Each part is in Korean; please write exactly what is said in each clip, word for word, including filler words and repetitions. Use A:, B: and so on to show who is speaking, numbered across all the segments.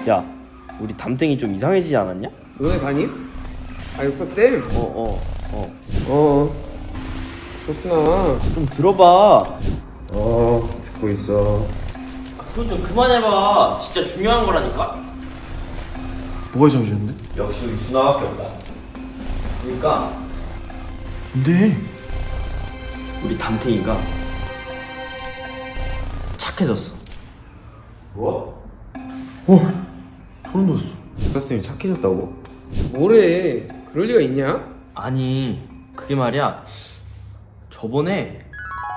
A: 야, 우리 담탱이 좀 이상해지지 않았냐?
B: 너네 담임? 아 육사쌤?
A: 어어어 어, 어.
B: 어 그렇구나.
A: 좀 들어봐.
B: 어 듣고 있어.
A: 그건 좀 그만해봐. 진짜 중요한 거라니까.
C: 뭐가 이상해졌는데?
A: 역시 우리 준하밖에 없다. 그러니까
C: 근데
A: 우리 담탱이가 착해졌어.
B: 뭐?
C: 어 소름 돋았어.
B: 육사쌤이 착해졌다고? 뭐래? 그럴 리가 있냐?
A: 아니 그게 말이야. 저번에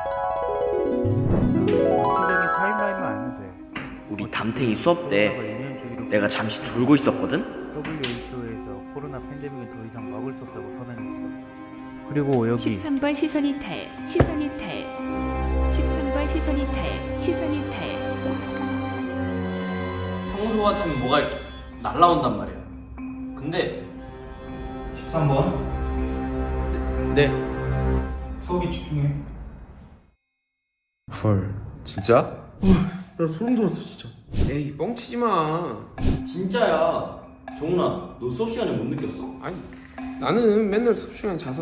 D: 전체적인 타임라인만 알면 돼.
A: 우리 담탱이 수업 때
D: 예년 주기로
A: 내가 잠시 졸고 있었거든?
D: 더블유에이치오에서 코로나 팬데믹은 더 이상 막을 수 없다고 선언했어. 그리고 여기
E: 십삼 번 시선 이탈, 시선 이탈. 십삼 번 시선 이탈, 시선 이탈.
A: 평소 같으면 뭐가 이렇게 날라온단 말이야. 근데 십삼 번
B: 네.
D: 수업에 집중해.
B: 헐 진짜?
C: 나 소름 돋았어 진짜.
B: 에이 뻥치지 마.
A: 진짜야. 정훈아, 너 수업 시간에 못 느꼈어?
B: 아니 나는 맨날 수업 시간 자서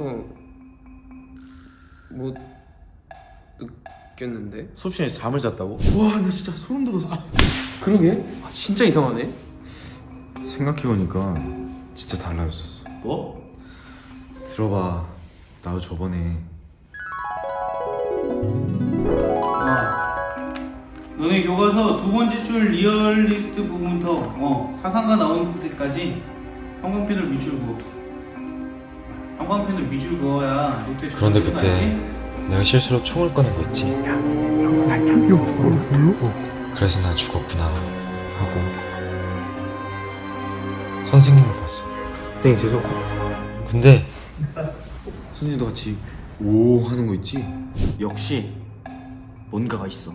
B: 못 느꼈는데.
C: 수업 시간에 잠을 잤다고? 와 나 진짜 소름 돋았어.
B: 그러게? 아, 진짜 이상하네.
F: 생각해보니까 진짜 달라졌었어.
A: 뭐?
F: 들어봐, 나도 저번에
D: 어. 너네 교과서 두 번째 줄 리얼리스트 부분부터 어, 사상가 나오는 데까지 형광펜으로 밑줄 그어. 형광펜으로 밑줄 그어야 노트에
F: 그런데
D: 적혀지는 거
F: 그때
D: 알지?
F: 내가 실수로 총을 꺼낸 거 있지? 그래서 나 죽었구나 하고 선생님을 봤어.
B: 선생님 죄송.
F: 근데
B: 선생님도 같이.
F: 오 하는 거 있지?
A: 역시 뭔가가 있어.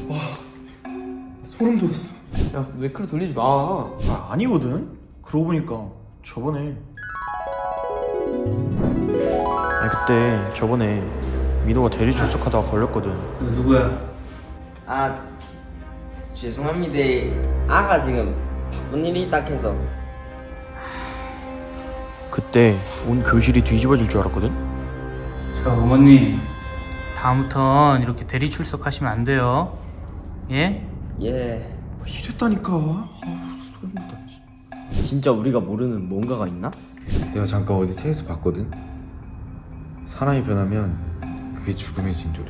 C: 소름 돋았어.
B: 야 매크로 돌리지 마.
C: 아 아니거든. 그러고 보니까 저번에 아니 그때 저번에 민호가 대리 출석하다가 걸렸거든.
D: 너 누구야?
A: 아, 죄송합니다. 아가 지금 바쁜 일이 딱 해서.
C: 그때 온 교실이 뒤집어질 줄 알았거든.
D: 자 어머님, 다음부턴 이렇게 대리 출석하시면 안 돼요. 예?
A: 예.
C: 이랬다니까. 아 소름 돋아.
A: 진짜 우리가 모르는 뭔가가 있나?
F: 내가 잠깐 어디 책에서 봤거든? 사람이 변하면 그게 죽음의 징조래.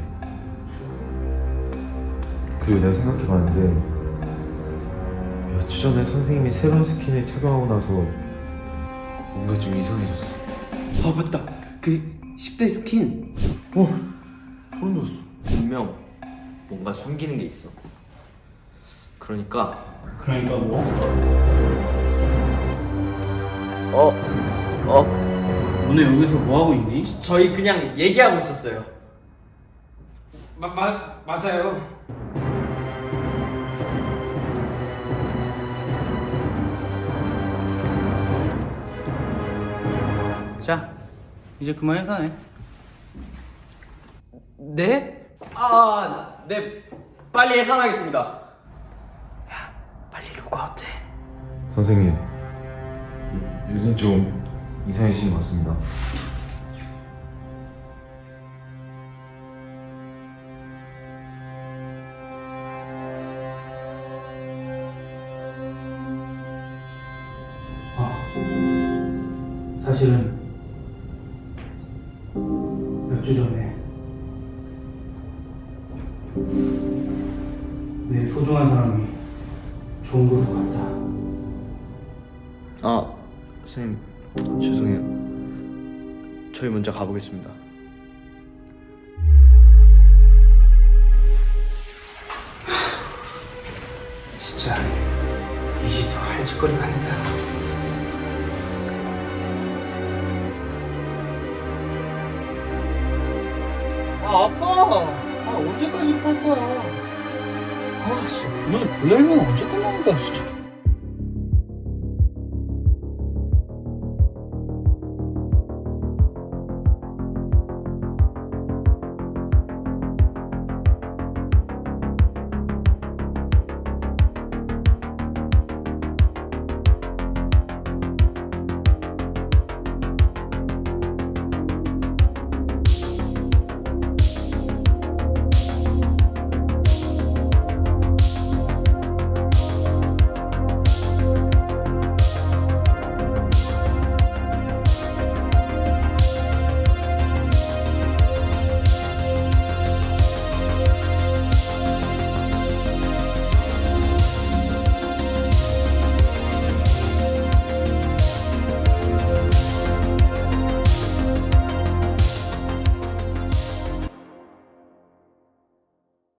F: 그리고 내가 생각해봤는데 며칠 전에 선생님이 새로운 스킨을 착용하고 나서 뭔가 좀 이상해졌어.
B: 아 맞다. 그 십 대 스킨.
C: 소름 돋았어.
A: 분명 뭔가 숨기는 게 있어. 그러니까
D: 그러니까 뭐?
A: 어, 어,
D: 너네 여기서 뭐 하고 있니?
A: 저희 그냥 얘기하고 있었어요.
B: 마, 마, 맞아요.
D: 자, 이제 그만 해산해.
B: 네?
A: 아, 네, 빨리 해산하겠습니다. 야, 빨리 로그아웃해.
F: 선생님, 요- 요즘 좀 이상해지신 것 같습니다.
D: 아, 사실은 몇 주 전에 내 소중한 사람이 좋은 곳으로 갔다.
A: 아, 선생님 죄송해요. 저희 먼저 가보겠습니다.
D: 진짜 이 짓도 할 짓거리가 아니다. 아 아빠, 아 언제까지 깔 거야? 아 진짜 그날 불날면 언제 끝나는 거야 진짜.